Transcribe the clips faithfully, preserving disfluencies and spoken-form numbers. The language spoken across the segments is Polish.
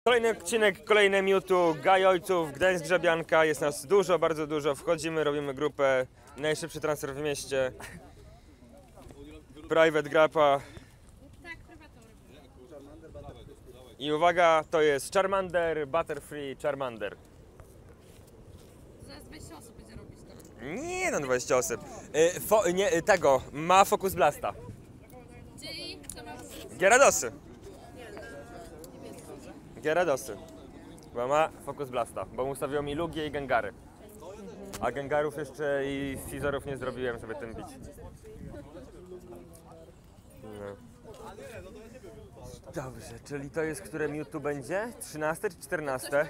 Kolejny odcinek, kolejne Mewtwo, Gaj Ojców, Gdańsk Grzebianka, jest nas dużo, bardzo dużo, wchodzimy, robimy grupę, najszybszy transfer w mieście, private grappa i uwaga, to jest Charmander, Butterfree, Charmander. Zaraz dwadzieścia osób będzie robić to. Nie no, dwadzieścia osób, y, fo, nie, tego, ma Focus Blasta. Czyli co masz? Gyaradosy. Gyaradosy. Bo ma Focus Blasta, bo ustawiło mi Lugie i Gengary. A Gengarów jeszcze i Scizorów nie zrobiłem, żeby tym bić. No. Dobrze, czyli to jest, które Mewtwo będzie? trzynaste czy czternaste?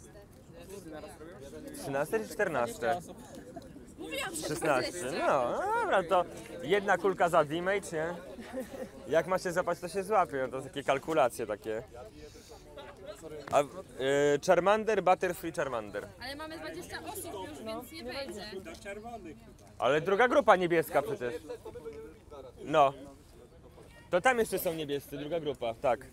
trzynaste czy czternaste? szesnaście. No, no dobra, to jedna kulka za damage, nie? Jak ma się zapać, to się złapie. No to takie kalkulacje takie. A y, Charmander, Butterfree, Charmander. Ale mamy dwadzieścia osób już, więc nie wejdzie. Ale druga grupa niebieska przecież. No. To tam jeszcze są niebiescy, druga grupa, tak.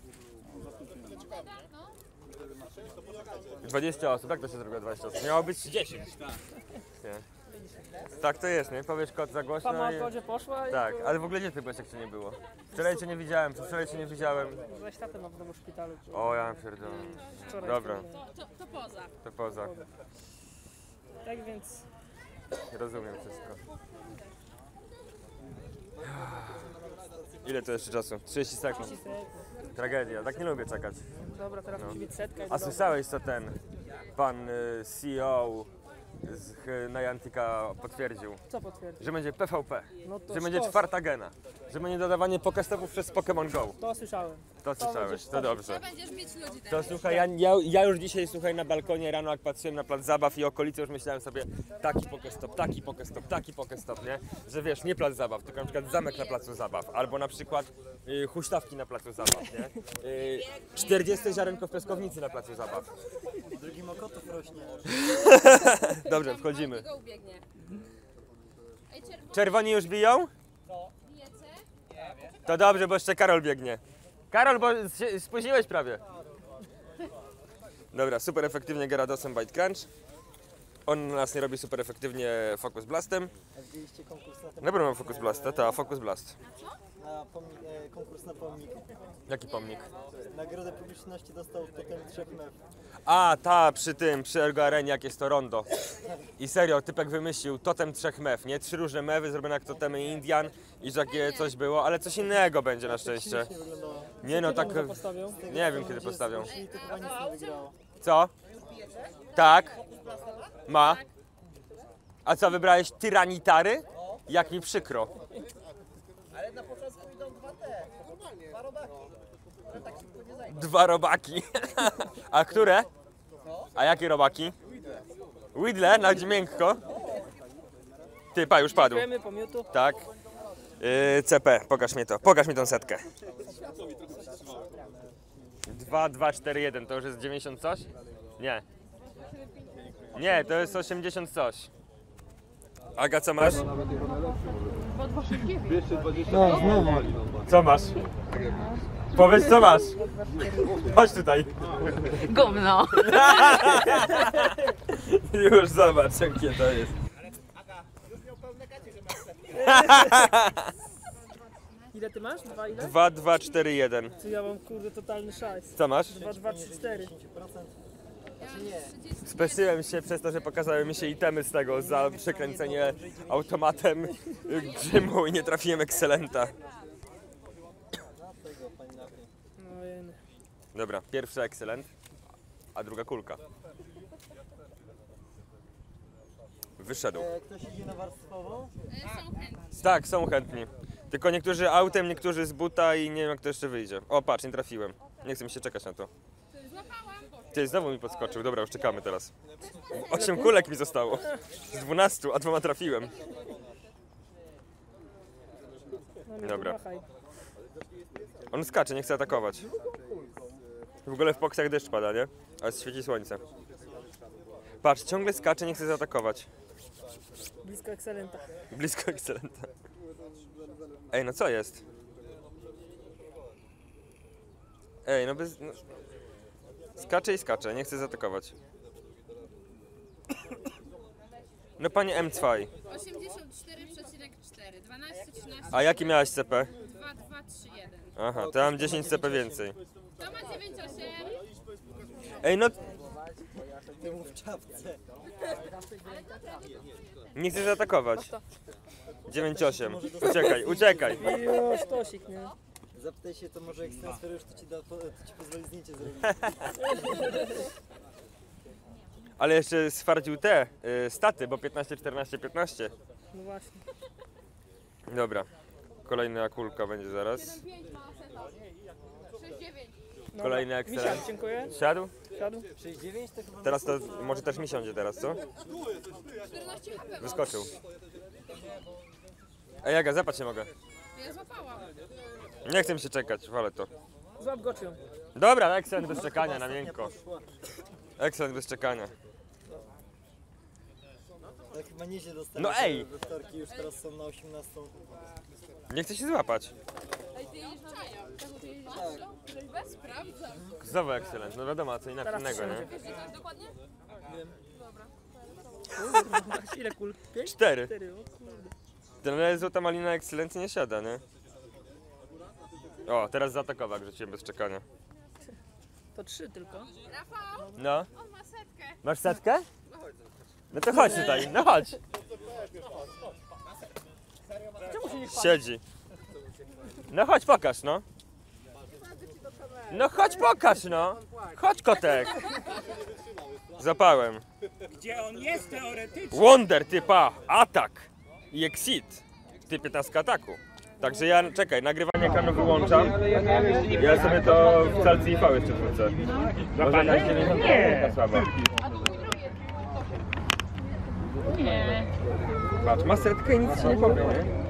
dwadzieścia osób, jak to się zrobiło dwadzieścia osób? Miało być dziesięć. Nie. Tak to jest, nie? Powiesz kod za głośno Sama i... o kodzie poszła i... Tak, ale w ogóle gdzie ty byłeś, jak cię nie było? Wczoraj cię nie widziałem, wczoraj cię nie widziałem. Weź tatę na w domu szpitalu. O, ja pierdolę. Wczoraj Dobra, To, to, to poza. to poza. Tak więc... Rozumiem wszystko. Ile to jeszcze czasu? trzydzieści sekund. Tragedia, tak nie lubię czekać. Dobra, teraz No. musi być setka i A do domu. słyszałeś, co ten pan y, C E O z H- Niantica potwierdził? Co potwierdzi? Że będzie P V P, No to że będzie sztos. czwarta gena, że będzie dodawanie pokestopów przez Pokémon Go. To słyszałem. To słyszałeś, będziesz to dobrze. To będziesz bić ludzi To teraz. słuchaj, ja, ja, ja już dzisiaj słuchaj na balkonie rano jak patrzyłem na plac zabaw i okolice, już myślałem sobie taki pokestop, taki pokestop, taki pokestop, nie? Że wiesz, nie plac zabaw, tylko na przykład zamek na placu zabaw, albo na przykład y, huśtawki na placu zabaw, nie? Y, czterdzieste ziarenko w piaskownicy na placu zabaw. Drugi mokotów rośnie. Dobrze, wchodzimy. Go ubiegnie. Ej, czerwony, Czerwoni już biją? bijecie? To dobrze, bo jeszcze Karol biegnie. Karol, bo się spóźniłeś prawie. Dobra, super efektywnie Gyaradosem Bite Crunch. On na nas nie robi super efektywnie Focus Blastem. A widzieliście konkurs na ten Dobra, mam Focus Blasta, ta Focus Blast. na pomnik, e, konkurs na pomnik. Jaki pomnik? Nagrodę publiczności dostał totem trzech mew. A, ta, przy tym, przy Ergo Arenie, jak jest to rondo. I serio, typek wymyślił totem trzech mew, nie? Trzy różne mewy zrobione jak totemy Indian i że takie coś było, ale coś innego będzie na szczęście. Śmiesznie wyglądało. Nie no, tak, Kiedy postawią? nie wiem kiedy postawią. I to chyba nic nie wygrało. Co? Tak? Ma? A co, wybrałeś tyranitary? Jak mi przykro. Ale na początku idą dwa te. Dwa robaki. Ale tak szybko nie zajmą. Dwa robaki. A które? A jakie robaki? Widle, na miękko. Ty, pa, już padł. Dziękujemy po Mewtwo. Tak. Yy, C P, pokaż mi to. Pokaż mi tą setkę. dwa, dwa, cztery, jeden, to już jest dziewięćdziesiąt coś? Nie. Nie, to jest osiemdziesiąt coś. Aga, co masz? No, znowu. Co masz? Powiedz, co masz? Chodź tutaj. Gówno. Już zobacz, jakie to jest. Ile ty masz? Dwa ile? dwa, dwa, cztery, jeden. Czy ja mam kurde totalny szajs. Co masz? Dwa, dwa, trzy, cztery. Speszyłem się przez to, że pokazały mi się itemy z tego za przekręcenie automatem grzymu i nie trafiłem Excelenta. No jeny. Dobra, pierwszy Excellent, a druga kulka. Wyszedł. E, ktoś idzie na warstwową? Są chętni. Tak, są chętni. Tylko niektórzy autem, niektórzy z buta i nie wiem jak to jeszcze wyjdzie. O, patrz, nie trafiłem. Nie chcę mi się czekać na to. Złapałam. Ty, znowu mi podskoczył. Dobra, już czekamy teraz. Osiem kulek mi zostało. Z dwunastu, a dwoma trafiłem. No, Mewtwo, Dobra. machaj. On skacze, nie chce atakować. W ogóle w poksach deszcz pada, nie? Ale świeci słońce. Patrz, ciągle skacze, nie chce zaatakować. Blisko Excelenta. Blisko Excelenta. Ej, no co jest? Ej, no bez... No... Skacze i skacze, nie chce zaatakować. No panie M dwa. osiemdziesiąt cztery przecinek cztery. dwanaście, trzynaście. A jaki miałeś C P? dwa, dwa, trzy, jeden. Aha, to ja mam dziesięć C P więcej. To ma dziewięć, osiem. Ej, no Temu w czapce. nie chcę zaatakować. dziewięć osiem. Uciekaj, uciekaj. I o, sztosik, nie? Zapytaj się, to może jak transferujesz, to ci, da, to ci pozwoli zdjęcie zrobić. Ale jeszcze stwierdził te y, staty, bo piętnaście, czternaście, piętnaście. No właśnie. Dobra. Kolejna kulka będzie zaraz. pięć ma seta. sześć, dziewięć. Dobra. Kolejny excellent. Misiak, dziękuję. Siadł? Siadł. sześć dziewięć to chyba... Teraz to może też mi siądzie teraz, co? czternaście H P mam. Wyskoczył. Ej, Jaga, zapać nie mogę. Ja złapałam. Nie chcę mi się czekać, wolę to. Złap goczyą. Dobra, excellent bez czekania, na miękko. Excellent bez czekania. Tak chyba nieźle dostali. No ej! We wtorki już teraz są na osiemnastą. Nie chcę się złapać. Ej, ty jedziesz na czaja. Ty jedziesz na czaja? Bez sprawdzam. Znowu excellent, no wiadomo, a co innego, Teraz nie? Wiesz, gdzie to jest dokładnie? Kurwa, ile kul? Pięć? Cztery. Cztery, o kurde. Ten złota malina excellent nie siada, nie? O, teraz zaatakował, jak rzuciłem bez czekania. To trzy tylko. Rafał, No. on ma setkę. Masz setkę? No to chodź tutaj, no chodź. Siedzi. No chodź, pokaż, no. No chodź, pokaż, no. Chodź, kotek. Zapałem. Gdzie on jest teoretycznie? Wonder, typa, atak i exit. Ty piętnaście ataku. Także ja, czekaj, nagrywanie ekranu wyłączam. Ja sobie to w calcy I V jeszcze wrócę. Może na dziewięćdziesiąt procent słaba. Nie. Patrz, ma setkę i nic się nie powie, nie?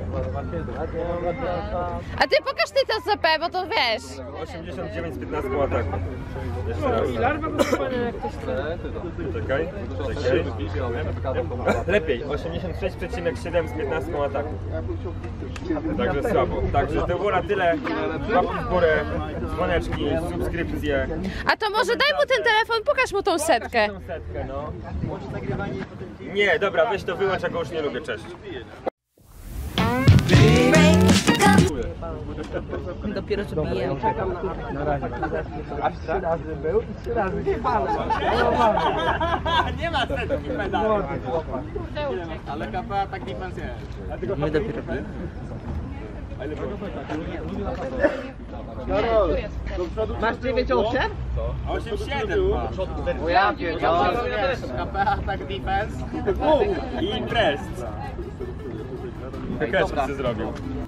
A ty pokaż ty to C P, bo to wiesz. osiemdziesiąt dziewięć z piętnastką ataku. Jeszcze raz. I larwa go zupełnie jak ktoś chce. Czekaj, czekaj. Lepiej, osiemdziesiąt sześć przecinek siedem z piętnastką ataku. Także słabo. Także to było na tyle. Łapki w górę, dzwoneczki, subskrypcje. A to może daj mu ten telefon, pokaż mu tą setkę. Tą setkę, no. Nie, dobra, weź to wyłącz, ja go już nie lubię, cześć. Dopiero co biję. Nie ma setki pedału. Ale K P A tak defense jest. My dopiero Masz dziewięć osiem? osiem siedem ma. Bo ja wiedziałem. K P A tak defense. I imprez. Wykresy zrobił.